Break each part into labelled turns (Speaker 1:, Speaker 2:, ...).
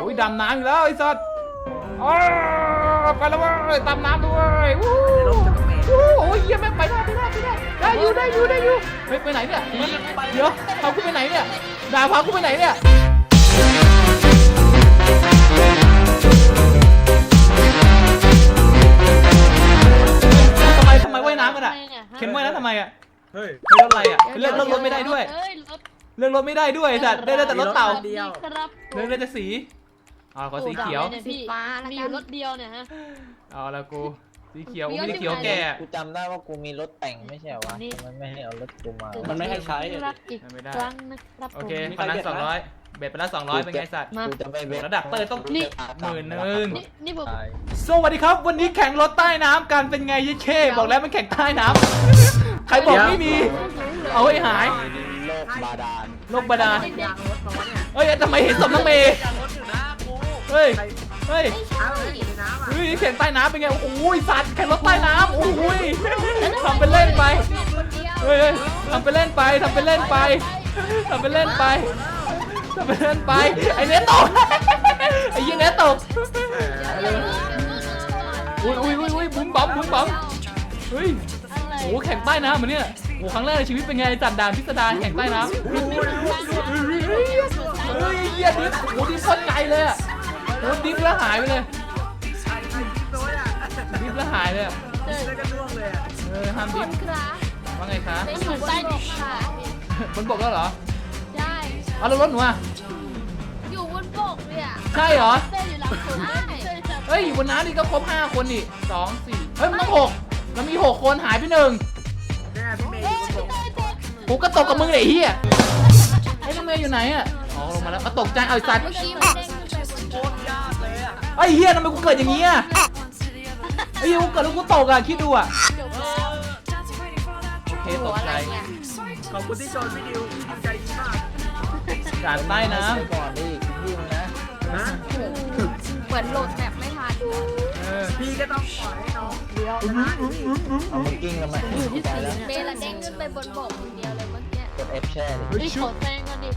Speaker 1: อุ้ยดำน้ำอีกแล้วไอ้สัตว์ไปแล้วเว้ยตามน้ำด้วยโอ้ยเยี่ยมแม่งไปได้ได้อยู่ไปไหนเนี่ยเดี๋ยวพากูไปไหนเนี่ยด่าพากูไปไหนเนี่ยทำไมว่ายน้ำกันอ่ะเข็นว่ายน้ำทำไมอ่ะเฮ้ยรถอะไรอ่ะเลือกรถไม่ได้ด้วยเลือกรถไม่ได้ด้วยสัตว์ได้แต่รถเต่าเลือกได้แต่สีขอสีเขียว
Speaker 2: สีฟ้ามีอยู่รถเดียวเนี่ยฮะ
Speaker 1: เอาละกูสีเขียวไม่ได้เขียวแก่
Speaker 3: กูจำได้ว่ากูมีรถแต่งไม่ใช่วะมันไม่ให้เอารถกูมา
Speaker 4: มันไม่ให้ใช้
Speaker 1: ไม่ได้โอเคพนัน200เบ็ดไปแล้ว200เป็นไงสัตว์ระดับเปิดต้อง10,000
Speaker 2: นี่ผม
Speaker 1: สวัสดีครับวันนี้แข่งรถใต้น้ำกันเป็นไงยี่เช่บอกแล้วมันแข่งใต้น้ำใครบอกไม่มีเอาให้หาย
Speaker 3: โลกบาดาล
Speaker 1: เฮ้ยทำไมเห็นศพน้องเมย์เฮ้ยแข่งใต้น้ำเป็นไงโอ้ยสัตว์แข่งรถใต้น้ำโอ้ยทำเป็นเล่นไปเฮ้ยทำเป็นเล่นไปไอ้เนี้ยตกไอ้ยี่เนี้ยตกอุ้ยบุ้มบ๊อบเฮ้ยโอ้แข่งใต้น้ำเหมือนเนี่ยโอ้ครั้งแรกในชีวิตเป็นไงจัดด่านพิสดารแข่งใต้น้ำเฮ้ยเยี่ยดิฟโอ้ดิฟโคตรไกลเลยอ่ะโอ้ดิฟแล้วหายไปเลยดิฟแล้วหายเลยห้ามดิฟว่าไงคะ
Speaker 2: อยู่ใต้ดินค่ะ
Speaker 1: บนบกแล้วเหรอ
Speaker 2: ใช่
Speaker 1: เอาแล้วรถหนูอ่ะ
Speaker 2: อยู่บนบกเนี่ย
Speaker 1: ใช่เหรอ
Speaker 2: อยู่หลังสุด
Speaker 1: เฮ้ยอยู่บนน้ำนี่ก็ครบ5คนนี่2 4เฮ้ยมันต้อง6แล้วมี6คนหายไป1กูก็ตกกับมึงเลยเฮียไอ้น้องเมย์อยู่ไหนอ่ะอ๋อลงมาแล้วตกใจเอาสัตว์ไอ้เฮียทำไมกูเกิดอย่างนี้อ่ะไอ้เฮียกูเกิดแล้วกูตกอ่ะคิดดูอ่ะโอเคตกใจ
Speaker 4: ขอบคุณที่ชมพี่ดิวใจดีมาก
Speaker 1: ด่านใต้น้
Speaker 3: ำก่อนดิพี่นะ
Speaker 2: เหมือนโหลดแบบไม่ทัน
Speaker 4: พี่ก็ต้องปล่อยให้น้องเดียว
Speaker 3: เอามากิ้งกันมา
Speaker 2: เมย์ละเด้งขึ้นไปบนบกคนเดียวเลยเมื่อกี้
Speaker 3: กด F แช่เลย
Speaker 2: ขอแซงก่อน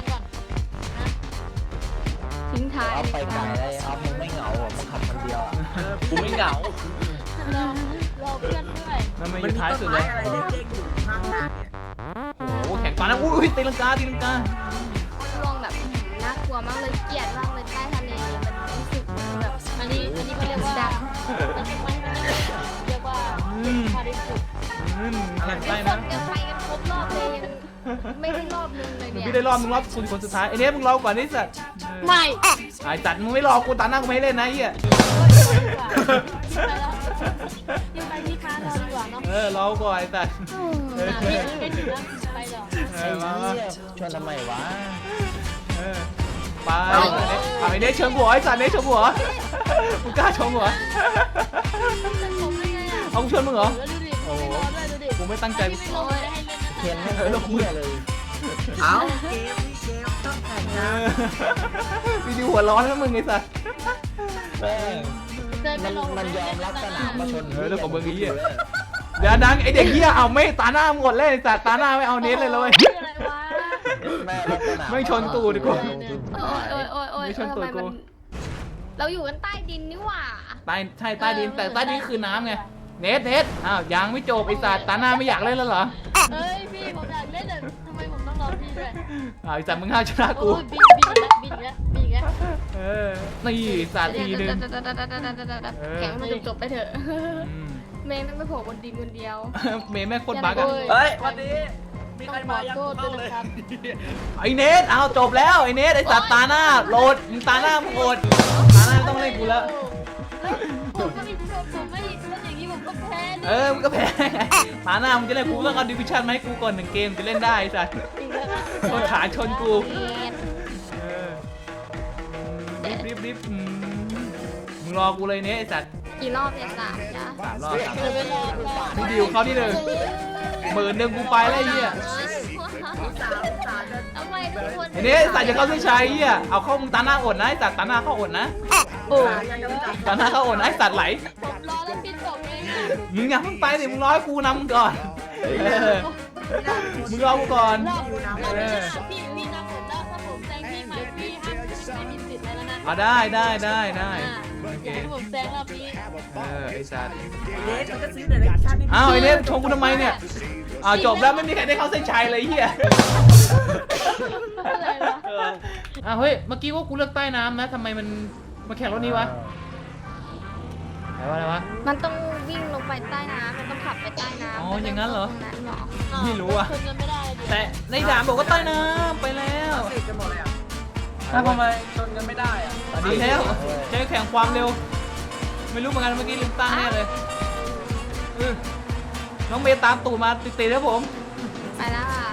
Speaker 2: ทิ้งท้าย
Speaker 3: เอาไปไกลเลยเอามึงไม่เหงาหรอมึงขับคนเดียว
Speaker 4: กูไม่เหงาร
Speaker 2: อเพื่อนด้วย
Speaker 1: มันไม่อยู่ท้ายสุดเลยโอ้โหแข่งปานะอุ้ยตีลังกา
Speaker 2: ลองแบบน่ากลัวมากเลยเกลียดมากเลยใต้ทะเลมันรู้สึกแบบอันนี้เขาเรียกว่าพาริสุ
Speaker 1: แข่งใต้นะ
Speaker 2: ยังไปกันครบรอบเลยไม่ได้รอบนึงเลยเนี่ย
Speaker 1: พี่ได้รอบมึงรอบคนสุดท้ายไอ้เนี้ยมึงรอก่อนนี่สัตว์
Speaker 2: ไม่
Speaker 1: ไอ้จัดมึงไม่รอกูตาหน้ากูไม่เล่นนะเฮีย
Speaker 2: ยังไปที่ค้ารอดีกว่าเนาะ
Speaker 1: รอก่อนไอ้สัตว์
Speaker 2: ไม่ถึงแล้วไปหรอ
Speaker 3: ชวนทำไมวะ
Speaker 1: ไปไอ้เนี้ยเชิงหัวไอ้สัตว์เนี้ยเชิงหัวมึงกล้าชงหัวเอากูชวนมึงเหรอโอ้กูไม่ตั้งใจ
Speaker 3: เขียนไม่เลย
Speaker 4: เอาเกมต้องแข่งนะ
Speaker 1: วิดีโอหัวร้อนนะมึงไอ้สัส
Speaker 3: มันยอมรับสนามมาชน
Speaker 1: แล้วของมึงไอ้เหี้ยเดี๋ยวดังไอเด็กเหี้ยเอาไม่ตาหน้าหมดเลยสัสตาหน้าไม่เอาเน้นเลยเลยไม่ชนตูดีกว่า
Speaker 2: ไม่ชนตูกูเราอยู่กันใต้ดินนี่หว่า
Speaker 1: ใต้ใช่ใต้ดินแต่ใต้ดินคือน้ำไงเน็ตอ้าวยังไม่จบไอ้สัตว์ตาหน้าไม่อยากเล่นแล้วเหรอ
Speaker 2: เฮ้ยพี่ผมอยากเล่นแต่ทำไมผมต้องรอพี่ด้วย
Speaker 1: ไอ้สัตว์มึงห้าชนะกู
Speaker 2: บินแล้ว
Speaker 1: นี่สัตว์ทีนึง
Speaker 2: แข่งมันจบไปเถอะเมย์ไม่โผล่บนดินคนเดียว
Speaker 1: เมย์แม่โคตรบั๊กอ่ะ
Speaker 4: เฮ้ยวันนี้มีใครมายังเข้าเลย
Speaker 1: ไอ้เน็ตเอาจบแล้วไอ้เน็ตไอ้สัตว์ตาหน้าโหลดมึงตาหน้ามึงโหดตาหน้าต้องเล่นกูแล้ว
Speaker 2: ผมก็มีผมไม่อย่างนี้ผมก็แพ้
Speaker 1: มึงก็แพ้ตาหน้ามึงจะเล่นกูต้องเอาดิวิชั่นมาให้กูก่อน1 เกมจะเล่นได้สัตว์คนขาชนกูรีบมึงรอกูเลยเนี่ยไอ้สัตว์
Speaker 2: กี่รอบเนี่ย3
Speaker 1: รอบพี่ดิวเขาที่10,000กูไปแล้วไอ้เหี้ยไอ้เนี่ยสัตว์จะเข้าเส้นชัยเหี้ยเอาเข้ามึงตาหน้าอดนะไอ้สัตว์ตาหน้าเข้าอดนะตาหน้าเข้าอดนะไอ้สัตว์ไหล
Speaker 2: รอแล้วปิดจบเลย
Speaker 1: มึงอย่าเพิ่งไปสิมึงรอให้กูนำก่อนมึงรอกูก่อน
Speaker 2: พี่นำผมแล้วถ้าผมแซงพี่ใหม่พี่ห้ามไม่มีสิทธิ์อะไรแล้วนะ
Speaker 1: ได้โอเค
Speaker 2: ผมแซงรอบนี้
Speaker 1: ไอ้สัตว์
Speaker 4: เดทมันก็ซื้อเดเรคชั่น
Speaker 1: อ้าวไอ้เนี่ยชงกูทำไมเนี่ยจบแล้วไม่มีใครได้เข้าเส้นชัยเลยเฮีย
Speaker 2: อะไรวะ
Speaker 1: เฮ้ยเมื่อกี้ว่ากูเลือกใต้น้ำนะทำไมมันมาแข่งรถนี้วะอะไรวะ
Speaker 2: มันต้องวิ่งลงไปใต้น้ำมันต้องขับไปใต้น้ำ
Speaker 1: อ๋ออย่างนั้นเหรอ
Speaker 2: ตนั้นเหรอ
Speaker 1: ไม่รู้อะ
Speaker 2: คืนเงินไม่ได้ดิ
Speaker 1: แต่ในด่านบอกว่าใต้น้ำไปแล้ว
Speaker 4: ติดกันหมดเลยอ่ะถ้าทำไมชนกันไม่ได้อ่ะ
Speaker 1: ดีแล้วใช้แข่งความเร็ว ไม่รู้เหมือนกันเมื่อกี้ลืมตั้งแน่เลยน้องเมย์ตามตูดมาติดๆครับผม
Speaker 2: ไปแล้วค่ะ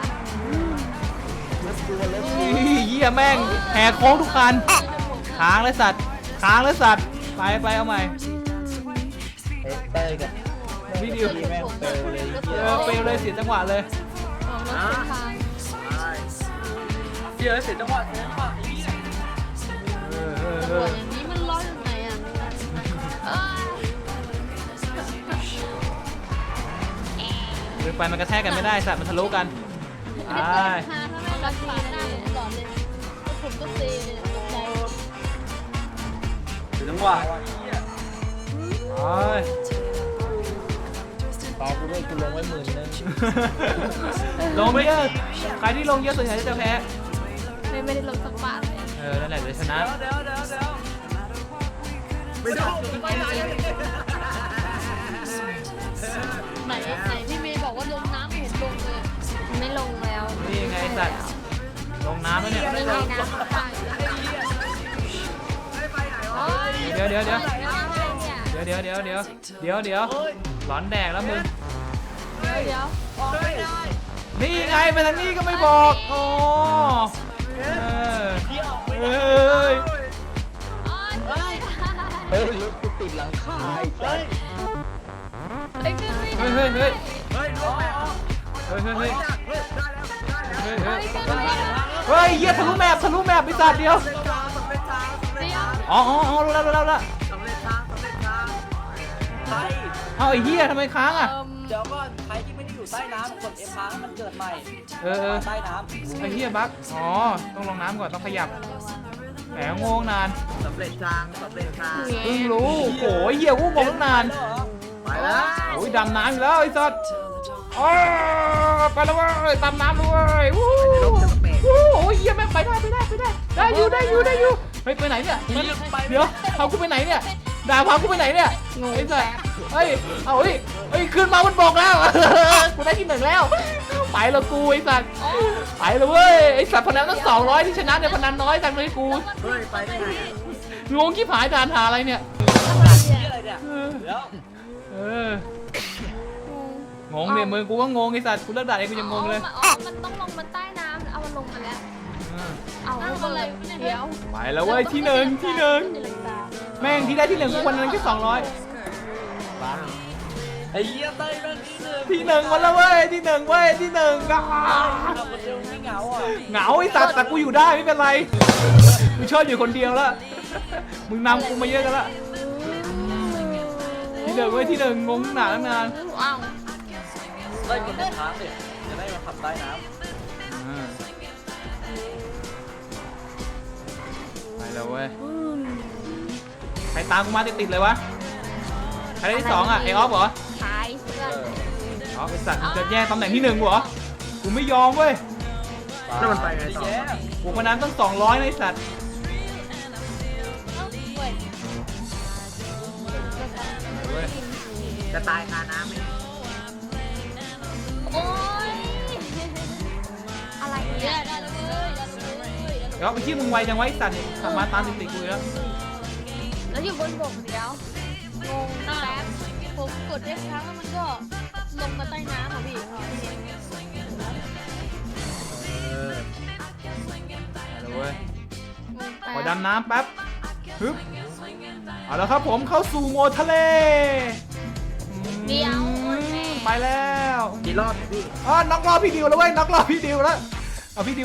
Speaker 1: เหี้ยแม่งแหกโค้งทุกคันค้างเลยสัตว์ไปเอาใหม่
Speaker 3: เต้ยกับ
Speaker 1: วิดีโอ
Speaker 3: พี่แม่งเปลวเลย
Speaker 1: เปลวเลยเสียจังหวะเลย
Speaker 2: ของรถเส้นทาง
Speaker 4: เดี๋ยวเสร็จจังหวะนี้ป่ะไอ้เนี่ย
Speaker 2: ตำรวจอย่างนี้มันร้อนอยู่ไหนอ่ะ
Speaker 1: หรือไปมันกระแทกกันไม่ได้สัตว์มันทะลุกันไป
Speaker 2: ถ้าไม่รักษาหน้าผมก่อนเลยผมก็เซเลยตกใจ
Speaker 4: เสร็จจังหวะไอ้เนี่ย
Speaker 3: ต่อกูด้วยกูลงไว้10,000
Speaker 1: ลงไม่เยอะใครที่ลงเยอะส่วนใหญ่จะแพ้
Speaker 2: ไม่ได้ลงสักบาทเลย
Speaker 1: นั่นแหละเลยชนะ
Speaker 4: เดี๋ยวไม่ได้ไปไหน
Speaker 2: ไหนพี่เมย์บอกว่าลงน้ำเห็นลงเลยไม่ลงแล้ว
Speaker 1: นี่ไงสัตว์ลงน้ำแล้วเนี่ย
Speaker 2: ไม่ลงน้ำตาย
Speaker 1: เดี๋ยวหลอนแดกแล้วมึง
Speaker 2: เดี๋ยว
Speaker 1: นี่ไงไปทางนี้ก็ไม่บอกโอ้เฮ้ย
Speaker 3: เฮ้ยรถกูติดหลังคาไอ้สัส
Speaker 2: ไอ้ขึ้นไม่ได้
Speaker 1: เฮ้ย
Speaker 4: เฮ้ยลงไปออก
Speaker 1: เฮ้ย
Speaker 4: ได้แล้วได้แล้ว
Speaker 1: เฮ้ยเหี้ยทะลุแมพไอ้สัตว์เดียว
Speaker 4: สำเร็จทางสำเร็จทาง
Speaker 2: เดี๋ยว
Speaker 1: อ๋อรู้แล้ว
Speaker 4: สำเร็จทางใคร
Speaker 1: เอาไอ้เหี้ยทำไมค้างอ่ะ
Speaker 4: เดี๋ยวก่อนใครที่ไม่ได้อยู่ใต้น้ำกด F ค้างให้มันเกิดใหม่ ใต้น้ำ
Speaker 1: ไอ้เหี้ยบั๊กต้องลงน้ำก่อนต้องขยับแหมงงนาน
Speaker 4: สำเร็จทาง
Speaker 1: เพิ่งรู้โอ้ยเหี้ยกูงงตั้งนาน
Speaker 4: ไปแล้ว
Speaker 1: โอ้ยดำน้ำอยู่แล้วไอ้สัตว์ไปแล้วเว้ยตามน้ำด้วยโอ้ยเหี้ยแม่งไปได้อยู่เฮ้ยไปไหนเนี่ยเดี๋ยวพากูไปไหนเนี่ยด่าพากูไปไหนเนี่ยไอ้สัตว์เฮ้ยขึ้นมามันบอกแล้วกูได้ที่1แล้วไปแล้วกูไอ้สัตว์ไปแล้วเว้ยไอ้สัตว์พนันตั้ง200ที่ชนะเนี่ยพนันน้อยจังเลยกู
Speaker 4: เฮ้ยไปได้ไง
Speaker 1: งงขี้ผายด่านหาอะไรเนี่ย
Speaker 4: ที่อะไรเนี่ยเดี๋ยว
Speaker 1: งงเนี่ยมึงกูก็งงไอ้สัตว์กูเลิกด่าเองกูยังงงเลย
Speaker 2: มันต้องลงมาใต้น้ำเอามันลงมาแล้วเอาอะไรเดี๋ยว
Speaker 1: ไปแล้วเว้ยที่หนึ่งแม่งที่ได้ที่1กูวันนั้นแค่200
Speaker 4: ไอ้เหี้ยเต้ยเรื่องที่
Speaker 1: ที่1วันแล้วเว้ยที่1ก็
Speaker 4: เราคนเดียวไม่เหงาอ่ะ
Speaker 1: เหงาไอ้สัตว์แต่กูอยู่ได้ไม่เป็นไรกูชอบอยู่คนเดียวแล้วมึงนำกูมาเยอะกันละที่1เว้ยที่1งงหนาตั้งนาน
Speaker 2: อ้าว
Speaker 4: เต้ยกดค้างดิจะได้มาขับใต้น้ำ
Speaker 1: ไปแล้วเว้ยใครตามกูมาติดๆเลยวะใครได้ที่2อ่ะไอออฟเหรอ
Speaker 2: ขายเสื้อ
Speaker 1: อ๋อไอสัตว์จะแย่งตำแหน่งที่1เหรอกูไม่ยอมเว้ย
Speaker 4: แล้วมันไปไงต่อ
Speaker 1: กูพนันต้อง200นะไอสัตว์
Speaker 4: จะตายคาน้ำไหม
Speaker 2: โอ้ยอะไรเนี่ยได้เลย
Speaker 1: เดี๋ยวไปที่มึงไวจังไวะไอ้สัตว์เนี่ยขับมาตามติดๆกูแล้ว
Speaker 2: แล้วอยู่บนบกเดี๋ยวงงแป๊บผมกดได้ครั้งแล้วมันก็ลงมาใต้น้ำอ่ะพี่
Speaker 1: ไปแล้วเว้ยขอดำน้ำแป๊บฮึบเอาแล้วครับผมเข้าสู่โหมดทะเล
Speaker 2: เดี๋ยว
Speaker 1: ไปแล้ว
Speaker 4: กี่รอบเนี่ยพี่
Speaker 1: น็อกรอบพี่ดิวแล้วเว้ยน็อกรอบพี่ดิวแล้วเอาพี่ดิว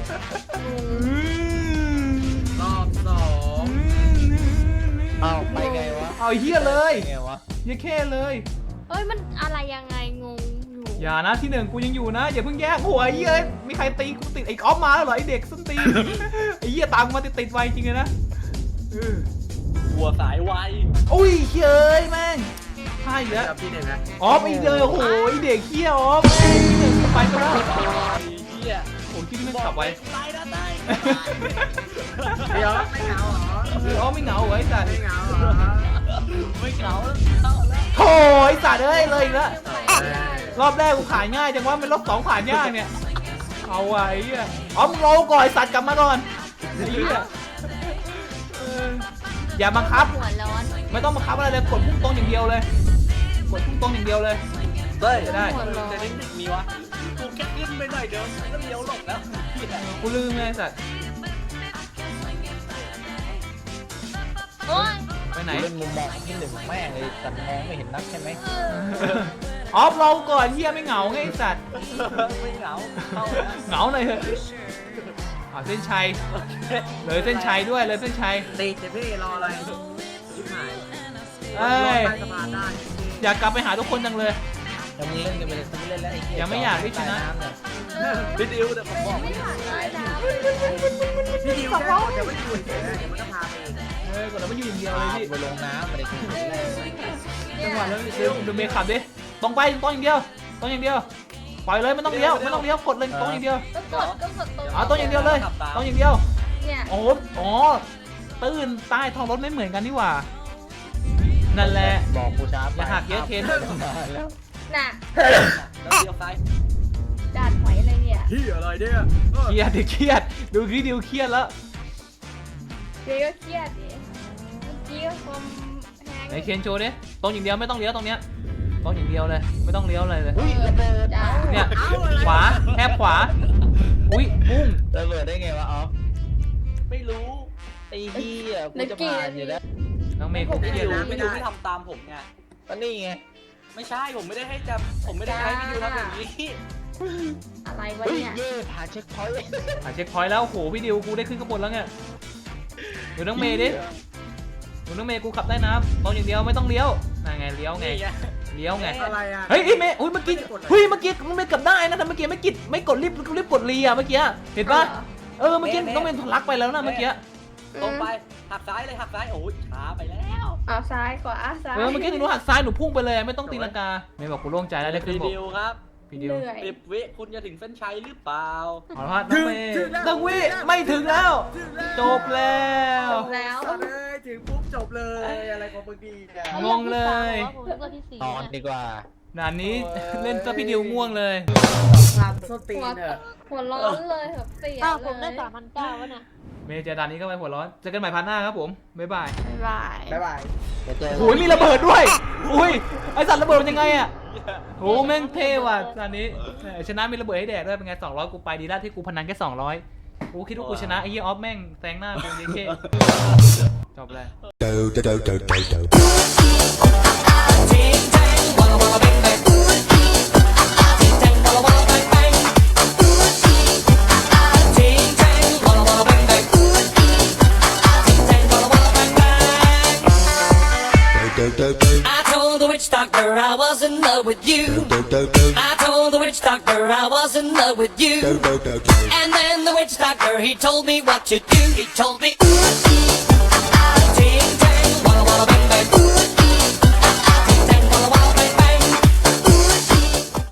Speaker 4: รอบสอง
Speaker 3: เอาไปไงวะ
Speaker 1: เอาไอ้เฮียเลย
Speaker 3: ไงวะ
Speaker 1: เหี้ยแค่เลย
Speaker 2: เอ้ยมันอะไรยังไงงงอยู่
Speaker 1: อย่านะที่1กูยังอยู่นะอย่าเพิ่งแยกหัวไอ้เหี้ยมีใครตีกูติดไอ้ออฟมาแล้วเหรอไอ้เด็กส้นตีน ไอ้เหี้ยตามกูมาติดๆไวจริงเลยนะ
Speaker 4: หัวสายไว
Speaker 1: อุ้ยเฮ้ยแม่งพลาดอีกแล้ว
Speaker 5: พี่หนึ่งนะ
Speaker 1: ออฟอีกเลยโอ้โหไอ้เด็กเขี้ยวออฟพี่หนึ่งไปซะแล้ว
Speaker 4: เฮีย
Speaker 1: โอ้ยที่นี่มันขับไว้
Speaker 4: ตายนะตาย
Speaker 5: เดี๋ยวไม่เหงาเหรอ
Speaker 1: ออฟไม่เหงาเหรอไอ้สัตว์
Speaker 5: ไม่เหงาเหรอ
Speaker 4: ไม่เหงาแล้วเข้าแล้ว
Speaker 1: โถ่ไอ้สัตว์เอ้ยเลยอีกแล้วรอบแรกกูขายง่ายจังว่าเป็นรอบสองขายยากเนี่ยเอาไว้ไอ้เหี้ยอ๋อมึงรอก่อนไอ้สัตว์กลับมาก่อนไอ้เหี้ยเอออย่าบังคับ
Speaker 2: หัวร้อน
Speaker 1: ไม่ต้องบังคับอะไรเลยกดพุ่งตรงอย่างเดียวเลยกดพุ่งตรงอย่างเดียวเลย
Speaker 4: เฮ้ย
Speaker 1: จะได้
Speaker 2: หัวร้อน
Speaker 4: จะได้มีวะกูแค่ขึ้นไปหน่อยเดียวก็เลี้ยวหลงแล้วเหี้ย
Speaker 1: กูลืมเลยไอ้สัตว์
Speaker 2: โอ้ย
Speaker 1: ไปไหน
Speaker 3: เล่นมุมมองที่หนึ่งแม่งเลยแต่มองไม่เห็นนักใช่ไหม
Speaker 1: ออฟเราก่อนเฮียไม่เหงาไงไอ้สัตว์
Speaker 4: ไม่เหงาเข้าแล้ว
Speaker 1: เหงาหน่อยเถอะเส้นชัยเลยเส้นชัยด้วยเลยเส้นชัย
Speaker 5: ตีเจพี่รออะไรชิบหาย
Speaker 1: เอ้ย
Speaker 5: ใต้สะพานได้
Speaker 1: อยากกลับไปหาทุกคนจังเลย
Speaker 3: แต่มึงเล่นกันไปเลยกูไม่เล่นแล้วไอ้เหี้
Speaker 1: ยังไม่อยากให้ชนะ
Speaker 3: ใต้ำเนี่ย
Speaker 4: พี่ดิวเดี๋ยวผมบอก
Speaker 2: ไม่ผ่านเลยนะ
Speaker 5: พี่ดิวแค่เดี๋ยวไม่อยู่เฉยๆเดี๋ยวมันก็พาไปเอง
Speaker 1: กดแล้วมันอยู่อย่างเดียวเลยพี่
Speaker 3: ไปลงน้ำอะไรกัน
Speaker 1: จังหวะแล้วดูเมย์ขับดิตรงไปตรงอย่างเดียวตรงอย่างเดียวปล่อยเลยไม่ต้องเลี้ยวไม่ต้องเลี้ยวกดเลยตรงอย่างเดียว
Speaker 2: ก็กดตัว
Speaker 1: อ๋อตรงอย่างเดียวเลยตรงอย่างเดียว
Speaker 2: เนี่ย
Speaker 1: โอ้โหอ๋อตื้นใต้ท้องรถไม่เหมือนกันนี่หว่านั่นแหละ
Speaker 3: บอกกูช้าไป
Speaker 1: อย่าหักเยอะเคน
Speaker 3: แล้ว
Speaker 2: น่ะ
Speaker 4: แล้วเลี้ยวซ้าย
Speaker 2: ด่านหอยอะไรเนี่ย
Speaker 5: ที่อะไรเนี่ย
Speaker 1: เครียดดิเครียดดูคลิปดิวเครียดแล้ว
Speaker 2: เดี๋ยวก็เครียดดิเมื่อกี้ก็ความแพง
Speaker 1: ไหนเคนโชว์ดิตรงอย่างเดียวไม่ต้องเลี้ยวตรงเนี้ยตรงอย่างเดียวเลยไม่ต้องเลี้ยวอะไรเลย
Speaker 3: อุ้ยระเบิด
Speaker 2: จ้า
Speaker 1: เนี่ยขวาแคบขวาอุ้ยปุ้ง
Speaker 3: ระเบิดได้ไงวะออฟ
Speaker 4: ไม่รู้
Speaker 3: ไอ้เหี้ยกูจะผ่านอยู่แล้ว
Speaker 1: น้องเมย์กูเค
Speaker 4: พี่
Speaker 1: รีย
Speaker 4: ดิ
Speaker 1: ด
Speaker 4: ว
Speaker 1: นะ
Speaker 4: พี่ดิวไม่ทำตามผมไง
Speaker 3: ก็นี่ไง
Speaker 4: ไม่ใช่ผมไม่ได้ให้จะผมไม่ได้ให้พี่ดิวทำอย่างนี้
Speaker 2: อะไรวะ
Speaker 3: เฮ้ย
Speaker 2: เนี่ย
Speaker 3: เย่ผ่านเช็คพอยต์
Speaker 1: หาเช็คพอยต์แล้วโอ้โหพี่ดิวกูได้ขึ้นข้างบนแล้วเนี่ยดูน้องเมย์ดิดูน้องเมย์กูขับได้น้ำตรงอย่างเดียวไม่ต้องเลี้ยวนั่นไงเลี้ยวไง
Speaker 4: นี่ไง
Speaker 1: เลี้ยวไง
Speaker 5: อะไรอ่ะ
Speaker 1: เฮ้ยเมย์อุ้ยเมื่อกี้เมื่อกี้มันไม่กลับได้นะแต่เมื่อกี้ไม่กดรีบกดเลียเมื่อกี้เห็นปะเมื่อกี้น้องเมย์ทะลักไปแล้วนะเมื่อกี้
Speaker 4: ตรงไปหักซ้ายเลยหักซ้ายโอ้ยช้าไปแล้ว
Speaker 2: เอาซ้ายขวาซ้าย
Speaker 1: เมื่อกี้หนูหักซ้ายหนูพุ่งไปเลยไม่ต้องตีลังกาเมย์บอกกูโล่งใจแล้วได้ขึ้น
Speaker 4: พี่
Speaker 1: บก
Speaker 4: ดิวครับ
Speaker 1: พี่ดิว
Speaker 2: เหนื่อย
Speaker 4: 10 วิคุณจะถึงเส้นชัยหรือเปล่า
Speaker 1: ขอโทษน้องเมย์น้องวิไม่ถึงแล้วจบแล้ว
Speaker 2: แล้ว
Speaker 5: สัตว์เลยถึงปุ๊บจบเลยอะไรของมึงดีเนี่ย
Speaker 1: งงเลย
Speaker 2: ผมเลือกที่สี่
Speaker 3: นอนดีกว่า
Speaker 1: ด่านนี้เล่นซะพี่ดิวง่วงเลย
Speaker 5: ทำส้นตีนเถอะ
Speaker 2: หัวร้อนเลยแบบเสีย
Speaker 6: อ้าวผม
Speaker 2: เล
Speaker 6: ได้
Speaker 2: ย
Speaker 6: 3,900วะเนี่ย
Speaker 1: เมย์เจอด่านนี้ก็ไปหัวร้อนเจอกันใหม่พันหน้าครับผมบ๊ายบาย
Speaker 2: บ๊ายบาย
Speaker 5: บ๊ายบาย
Speaker 3: เดี๋ยวเจอ
Speaker 1: โอ้ยมีระเบิดด้วยอุ้ยไอสัตว์ระเบิดมันยังไงอ่ะโอ้แม่งเท่ว่ะด่านนี้ชนะมีระเบิดให้แดกด้วยเป็นไง200กูไปดีแล้วที่กูพนันแค่200กูคิดว่ากูชนะไอ้เหี้ยออฟแม่งแซงหน้ากูเยเคจบเลย
Speaker 7: do do do do do do. Do do do
Speaker 8: I told the witch doctor I was in love with you.
Speaker 7: do do do
Speaker 8: I told the witch doctor I was in love with
Speaker 7: do
Speaker 8: you.
Speaker 7: do do do.
Speaker 8: And then the witch doctor he told me what to do. He told me, ooh, ting tang, walla walla bang bang. Ooh,